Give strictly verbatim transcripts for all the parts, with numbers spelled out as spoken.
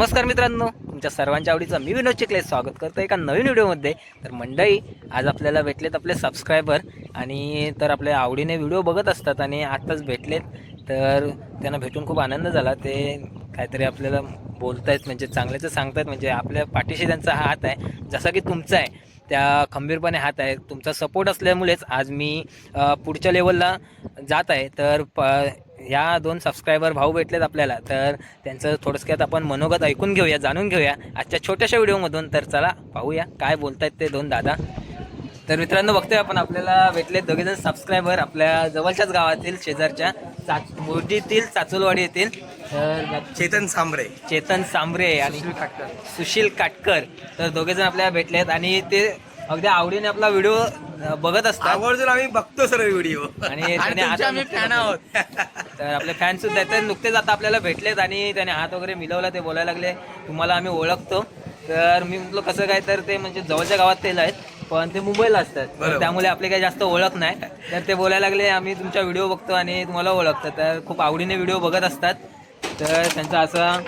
नमस्कार मित्रांनो, तुमच्या सर्वांच्या आवडीचं मी विनोद चिखले स्वागत करतो एका नवीन व्हिडिओमध्ये. तर मंडळी, आज आपल्याला भेटलेत आपले सबस्क्रायबर आणि तर आपल्या आवडीने व्हिडिओ बघत असतात आणि आत्ताच भेटलेत. तर त्यांना भेटून खूप आनंद झाला. ते काहीतरी आपल्याला बोलतायत, म्हणजे चांगल्याचं सांगतायत, म्हणजे आपल्या पाठीशी त्यांचा हात आहे, जसा की तुमचा आहे त्या खंबीरपणे हात आहे. तुमचा सपोर्ट असल्यामुळेच आज मी पुढच्या लेवलला जात आहे. तर प ह्या दोन सबस्क्रायबर भाऊ भेटलेत आपल्याला, तर त्यांचं थोडक्यात आपण मनोगत ऐकून घेऊया, जाणून घेऊया आजच्या छोट्याशा व्हिडिओमधून. तर चला पाहूया काय बोलतायत ते दोन दादा. तर मित्रांनो, बघतोय आपण आपल्याला भेटले दोघेजण सबस्क्रायबर आपल्या जवळच्याच गावातील, शेजारच्या चाच मोर्जीतील चाचुलवाडी येथील. तर चेतन सांबरे चेतन सांबरे आणि सुशील काटकर, तर दोघेजण आपल्याला भेटलेत आणि ते अगदी आवडीने आपला व्हिडिओ बघत असतात. आवर्जून आम्ही बघतो सर्व व्हिडिओ आणि त्याने हात आम्ही फॅन आहोत. तर आपले फॅन सुद्धा आहेत. तर नुकतेच आता आपल्याला भेटलेत आणि त्याने हात वगैरे मिळवला. ते बोलायला लागले तुम्हाला आम्ही ओळखतो. तर मी म्हटलं कसं काय, तर ते म्हणजे जवळच्या गावात तेल आहेत, पण ते मुंबईला असतात, तर त्यामुळे आपले काही जास्त ओळख नाही. तर ते बोलायला लागले आम्ही तुमचा व्हिडिओ बघतो आणि तुम्हाला ओळखतो. तर खूप आवडीने व्हिडिओ बघत असतात. तर त्यांचं असं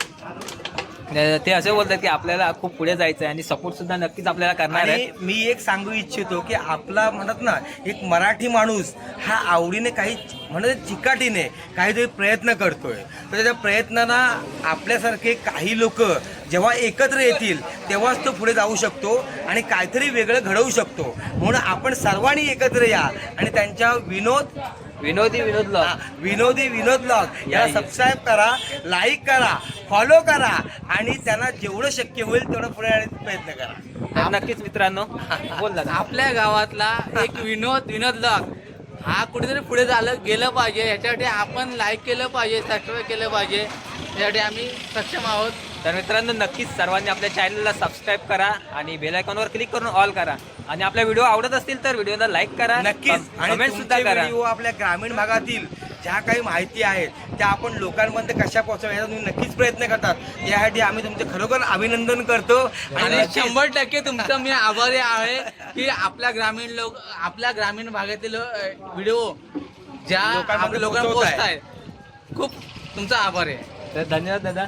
ते असे बोलतात की आपल्याला खूप पुढे जायचं आहे आणि सपोर्ट सुद्धा नक्कीच आपल्याला करणार आहे. मी एक सांगू इच्छितो की आपला म्हणत ना, एक मराठी माणूस हा आवडीने काही म्हणत चिकाटीने काहीतरी प्रयत्न करतोय. तर त्या प्रयत्नांना आपल्यासारखे काही लोक जेव्हा एकत्र येतील तेव्हाच तो पुढे जाऊ शकतो आणि काहीतरी वेगळं घडवू शकतो. म्हणून आपण सर्वांनी एकत्र या आणि त्यांच्या विनोद विनोदी विनोद ब्लॉग विनोदी विनोद ब्लॉग याला सबस्क्राईब करा, लाईक करा, फॉलो करा आणि त्यांना जेवढं शक्य होईल तेवढं पुढे येण्याचा प्रयत्न करा. नक्कीच मित्रांनो, बोल दादा. आपल्या गावातला एक विनोद विनोद ब्लॉग हा कुठेतरी पुढे झालं गेलं पाहिजे. ह्याच्यासाठी आपण लाईक केलं पाहिजे, सबस्क्राईब केलं पाहिजे. यासाठी आम्ही सक्षम आहोत. तर मित्रांनो, नक्कीच सर्वांनी आपल्या चॅनलला सबस्क्राईब करा आणि बेल आयकॉनवर क्लिक करून ऑल करा. आणि आपल्या व्हिडिओ आवडत असतील तर व्हिडिओला लाईक करा, नक्कीच. आणि कमेंट सुद्धा करा. व्हिडिओ आपल्या ग्रामीण भागातील ज्या काही माहिती आहेत त्या आपण लोकांमध्ये कशा पोहोचवायचा तुम्ही नक्कीच प्रयत्न करतात. यासाठी आम्ही तुमचे खरोखर अभिनंदन करतो आणि शंभर टक्के तुमचं मी आभारी आहे की आपल्या ग्रामीण लोक आपल्या ग्रामीण भागातील व्हिडिओ ज्या आपल्या लोकांना पोहोचतायत. खूप तुमचा आभार आहे. तर धन्यवाद दादा.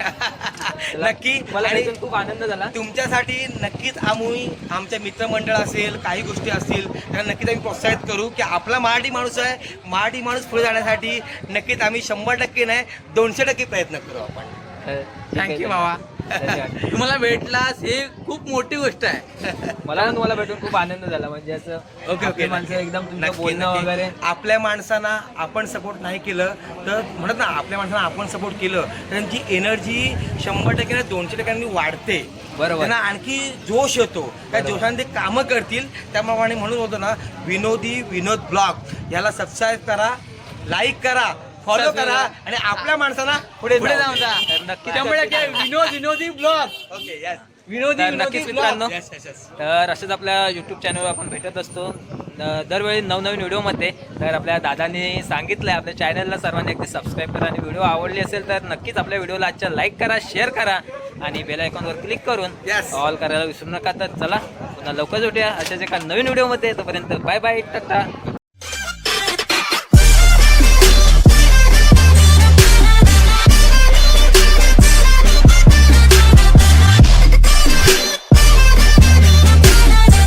नक्की. मला आणि भेटून खूप आनंद झाला. तुमच्यासाठी नक्कीच आम्ही आमच्या मित्रमंडळ असेल, काही गोष्टी असतील त्यांना नक्कीच आम्ही प्रोत्साहित करू की आपला मराठी माणूस आहे, मराठी माणूस पुढे जाण्यासाठी नक्कीच आम्ही शंभर टक्के नाही दोनशे टक्के प्रयत्न करू आपण. थँक्यू बाबा. तुम्हाला भेटलास हे खूप मोठी गोष्ट आहे. मला पण तुम्हाला भेटून खूप आनंद झाला. म्हणजे असं ओके ओके माणसं एकदम तुमचं नक्की, बोलणं नक्की. वगैरे. आपल्या माणसांना आपण सपोर्ट नाही केलं तर म्हणत ना, आपल्या माणसांना आपण सपोर्ट केलं तर त्यांची एनर्जी शंभर टक्के दोनशे टक्क्यांनी वाढते. बरोबर. त्यांना आणखी जोश येतो. त्या जोशाने ते कामं करतील. त्याप्रमाणे म्हणून होतो ना, विनोदी विनोद ब्लॉग याला सबस्क्राईब करा, लाईक करा, फॉलो करा आणि आपल्या माणसांना पुढे पुढे जाऊ जाऊन जा. तर नक्कीच शंभर टक्के विनोद विनोदी ब्लॉग ओके यस विनोदी तर विनोदी नक्कीच मित्रांनो, यस यस यस तर असंच आपल्या यूट्यूब चॅनलवर आपण भेटत असतो न- दरवेळी नवनवीन व्हिडिओमध्ये. तर आपल्या दादांनी सांगितलं आहे आपल्या चॅनलला सर्वांनी अगदी सबस्क्राईब करा आणि व्हिडिओ आवडली असेल तर नक्कीच आपल्या व्हिडिओला आजच्या लाईक करा, शेअर करा आणि बेल आयकॉनवर क्लिक करून Yes. ऑल करायला विसरू नका. तर चला पुन्हा लवकर भेटूया अशाच एका नवीन व्हिडिओमध्ये. तोपर्यंत बाय बाय, टाटा.